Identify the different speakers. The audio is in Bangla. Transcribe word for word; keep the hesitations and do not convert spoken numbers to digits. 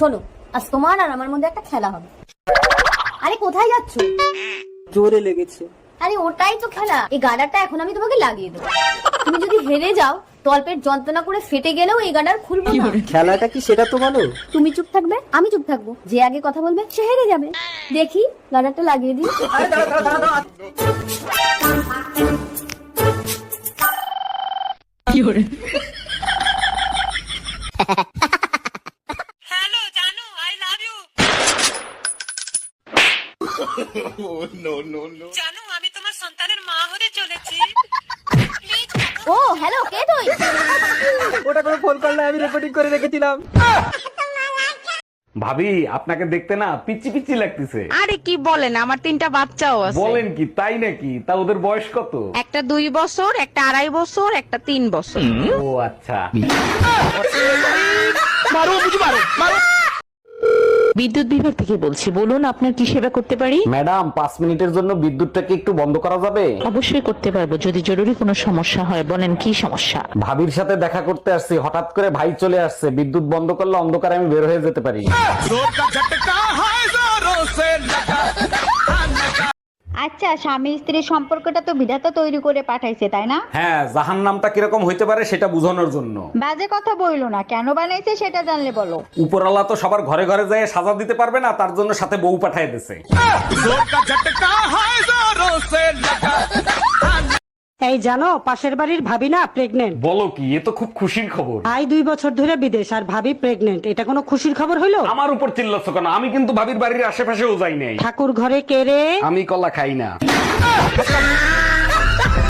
Speaker 1: শোনো, আজ তোমার আর আমার মধ্যে একটা খেলা হবে। আরে কোথায় যাচ্ছ?
Speaker 2: জোরে লেগেছে।
Speaker 1: আরে ওটাই তো খেলা, এই গাডারটা এখন আমি তোমাকে লাগিয়ে দেবো। তুমি যদি হেরে যাও, তলপেট যন্ত্রণা করে ফেটে গেলেও এই গাডার খুলবো না।
Speaker 2: খেলাটা কি সেটা তো বলো।
Speaker 1: তুমি চুপ থাকবে, আমি চুপ থাকবো, যে আগে কথা বলবে সে হেরে যাবে। দেখি গাডারটা লাগিয়ে দিই।
Speaker 3: হ্যালো জানু, আই লাভ ইউ। জানু, আমি তোমার সন্তানের মা হতে চলেছি।
Speaker 1: ও হ্যালো, কে তুই?
Speaker 2: ওটা করে ফোন করলে আমি রেকর্ডিং করে রেখেছিলাম।
Speaker 4: ভাবি আপনাকে দেখতে না পিচ্ছি পিচ্ছি লাগতেছে।
Speaker 5: আরে কি বলেন, আমার তিনটা বাচ্চাও আছে।
Speaker 4: বলেন কি, তাই নাকি? তা ওদের বয়স কত?
Speaker 5: একটা দুই বছর, একটা আড়াই বছর, একটা তিন বছর।
Speaker 4: ও আচ্ছা।
Speaker 6: বিদ্যুৎ বিভাগ থেকে বলছি, বলুন আপনার কি সেবা করতে পারি?
Speaker 4: ম্যাডাম, পাঁচ মিনিটের জন্য বিদ্যুৎটাকে একটু বন্ধ করা যাবে?
Speaker 6: অবশ্যই করতে পারবো, যদি জরুরি কোনো সমস্যা হয়। বলেন কি সমস্যা?
Speaker 4: ভাবির সাথে দেখা করতে আসছি, হঠাৎ করে ভাই চলে আসছে। বিদ্যুৎ বন্ধ করলে অন্ধকারে আমি বের হয়ে যেতে পারি।
Speaker 7: আচ্ছা, স্বামী স্ত্রীর সম্পর্কটা তো বিধাতা তৈরি করে পাঠাইছে, তাই না?
Speaker 4: হ্যাঁ, জাহান নামটা কিরকম হইতে পারে সেটা বোঝানোর জন্য।
Speaker 7: বাজে কথা বইলো না, কেন বানাইছে সেটা জানলে বলো।
Speaker 4: উপরওয়ালা তো সবার ঘরে ঘরে যায় সাজা দিতে পারবে না, তার জন্য সাথে বউ পাঠায় দিছে।
Speaker 8: এই জানো, পাশের বাড়ির ভাবি না প্রেগনেন্ট।
Speaker 4: বলো কি, এ তো খুব খুশির খবর।
Speaker 8: ভাই দুই বছর ধরে বিদেশ আর ভাবি প্রেগনেন্ট, এটা কোনো খুশির খবর হইলো?
Speaker 4: আমার উপর চিল্লাচ্ছ কেন? আমি কিন্তু ভাবির বাড়ির আশেপাশেও যাই নাই।
Speaker 8: ঠাকুর ঘরে কে রে?
Speaker 4: আমি কলা খাই না।